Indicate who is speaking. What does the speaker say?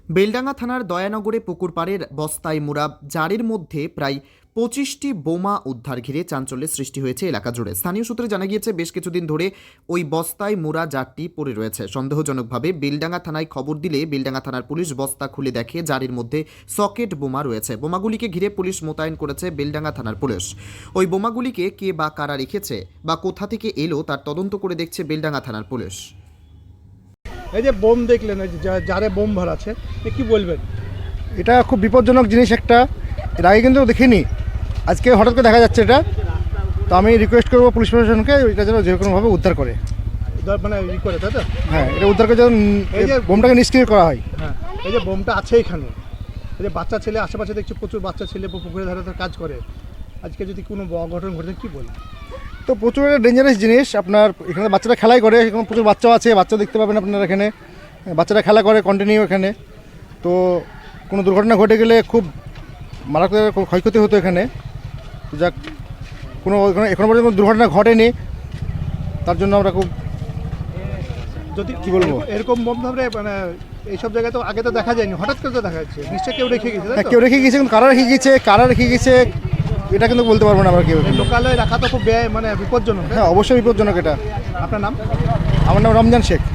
Speaker 1: বেলডাঙ্গা থানার দয়ানগরে পুকুরপাড়ের বস্তায় মোড়া জারের মধ্যে প্রায় 25টি বোমা উদ্ধার ঘিরে চাঞ্চল্যের সৃষ্টি হয়েছে এলাকা জুড়ে। স্থানীয় সূত্রে জানা গিয়েছে বেশ কিছুদিন ধরে ওই বস্তায় মোড়া জারটি পড়ে রয়েছে। সন্দেহজনকভাবে বেলডাঙ্গা থানায় খবর দিলে বেলডাঙ্গা থানার পুলিশ বস্তা খুলে দেখে জারের মধ্যে সকেট বোমা রয়েছে। বোমাগুলিকে ঘিরে পুলিশ মোতায়েন করেছে বেলডাঙ্গা থানার পুলিশ। ওই বোমাগুলিকে কে বা কারা রেখেছে বা কোথা থেকে এলো তার তদন্ত করে দেখছে বেলডাঙ্গা থানার পুলিশ।
Speaker 2: এই যে বোম দেখলেন, এই যে জারে বোম ভরা আছে, কি বলবেন?
Speaker 3: এটা খুব বিপজ্জনক জিনিস একটা। এর আগে কিন্তু দেখিনি, আজকে হঠাৎ করে দেখা যাচ্ছে এটা। তো আমি রিকোয়েস্ট করবো পুলিশ প্রশাসনকে এটা যেন যে কোনোভাবে উদ্ধার করে,
Speaker 2: মানে ই করে, তাই তো?
Speaker 3: হ্যাঁ, এটা উদ্ধার করে যেন
Speaker 2: এই যে
Speaker 3: বোমটাকে নিষ্ক্রিয় করা হয়।
Speaker 2: হ্যাঁ, এই যে বোমটা আছে এখানে, এই যে বাচ্চা ছেলে আশেপাশে দেখছি, প্রচুর বাচ্চা ছেলে পুকুরের ধারে কাজ করে। আজকে যদি কোনো অঘটন ঘটে কি বলবেন?
Speaker 3: তো প্রচুর একটা ডেঞ্জারাস জিনিস। আপনার এখানে বাচ্চারা খেলাই করে, এখানে প্রচুর বাচ্চাও আছে, বাচ্চা দেখতে পাবেন আপনারা এখানে। বাচ্চারা খেলা করে কন্টিনিউ এখানে। তো কোনো দুর্ঘটনা ঘটে গেলে খুব মারাত্মক ক্ষয়ক্ষতি হতো এখানে। তো যাক, কোনো এখনো পর্যন্ত দুর্ঘটনা ঘটেনি, তার জন্য আমরা খুব
Speaker 2: যদি
Speaker 3: কি বলবো,
Speaker 2: এরকম বোম ধরে মানে এইসব জায়গায় তো আগে তো দেখা যায়নি, হঠাৎ করে তো দেখা যাচ্ছে। নিশ্চয়ই কেউ রেখে গেছে, তাই তো?
Speaker 3: কেউ রেখে গিয়েছে, কিন্তু কারা রেখে গেছে এটা কিন্তু বলতে পারবো না আমরা কেউ।
Speaker 2: লোকালয়ে রাখা তো খুব ব্যয়, মানে বিপজ্জনক।
Speaker 3: হ্যাঁ, অবশ্যই বিপজ্জনক এটা।
Speaker 2: আপনার নাম?
Speaker 3: আমার নাম রমজান শেখ।